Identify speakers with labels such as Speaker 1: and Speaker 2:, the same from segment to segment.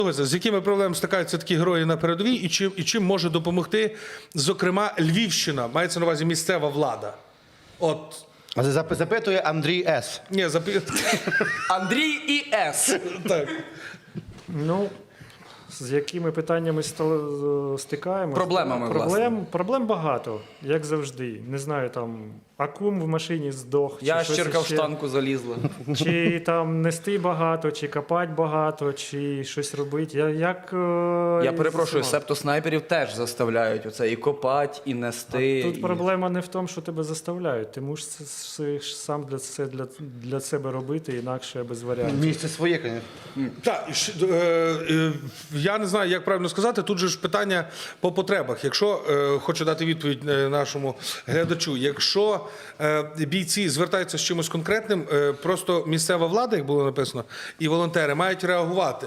Speaker 1: З якими проблемами стикаються такі герої на передовій і чим може допомогти, зокрема, Львівщина, мається на увазі місцева влада? От.
Speaker 2: Запитує Андрій С.
Speaker 1: Ні,
Speaker 3: Андрій і С.
Speaker 1: Так.
Speaker 4: Ну, з якими питаннями стикаємося?
Speaker 3: Проблемами, власне.
Speaker 4: Проблем багато, як завжди. Не знаю, там, акум в машині здох.
Speaker 3: Ящерка в
Speaker 4: ще.
Speaker 3: штанку залізла.
Speaker 4: Чи там нести багато, чи копати багато, чи щось робити.
Speaker 3: Я перепрошую, септоснайперів теж заставляють оце і копати, і нести.
Speaker 4: Тут проблема не в тому, що тебе заставляють. Ти мусиш сам для себе робити, інакше без варіантів.
Speaker 2: Місце своє, звісно.
Speaker 1: Так, я не знаю, як правильно сказати, тут же ж питання по потребах. Якщо, хочу дати відповідь нашому глядачу, якщо бійці звертаються з чимось конкретним, просто місцева влада, як було написано, і волонтери мають реагувати.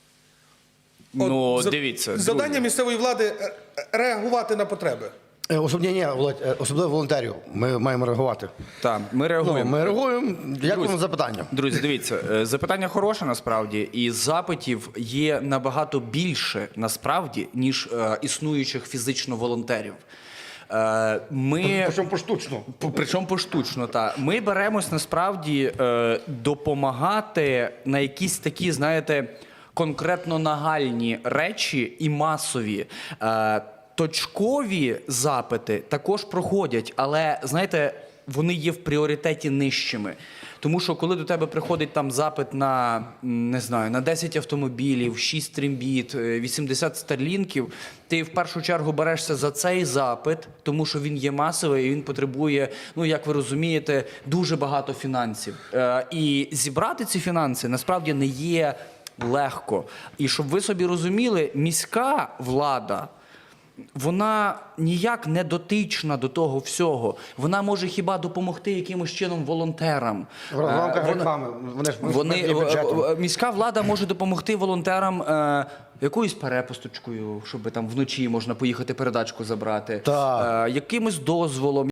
Speaker 3: Ну, дивіться.
Speaker 1: Завдання місцевої влади – реагувати на потреби.
Speaker 2: Особливо волонтерів. Ми маємо реагувати.
Speaker 3: Так, ми реагуємо.
Speaker 2: Ми реагуємо. Дякуємо за запитання.
Speaker 3: Друзі, дивіться, запитання хороше насправді, і запитів є набагато більше насправді, ніж існуючих фізично волонтерів.
Speaker 2: Причому поштучно.
Speaker 3: Причому поштучно, так. Ми беремось насправді допомагати на якісь такі, знаєте, конкретно нагальні речі і масові. Точкові запити також проходять, але, знаєте, вони є в пріоритеті нижчими. Тому що коли до тебе приходить там запит на, не знаю, на 10 автомобілів, 6 трембіт, 80 старлінків, ти в першу чергу берешся за цей запит, тому що він є масовий і він потребує, ну, як ви розумієте, дуже багато фінансів. І зібрати ці фінанси насправді не є легко. І щоб ви собі розуміли, міська влада, вона ніяк не дотична до того всього. Вона може хіба допомогти якимось чином волонтерам.
Speaker 2: В рамках реклами.
Speaker 3: Міська влада може допомогти волонтерам якоюсь перепусточкою, щоб там вночі можна поїхати передачку забрати, якимось дозволом.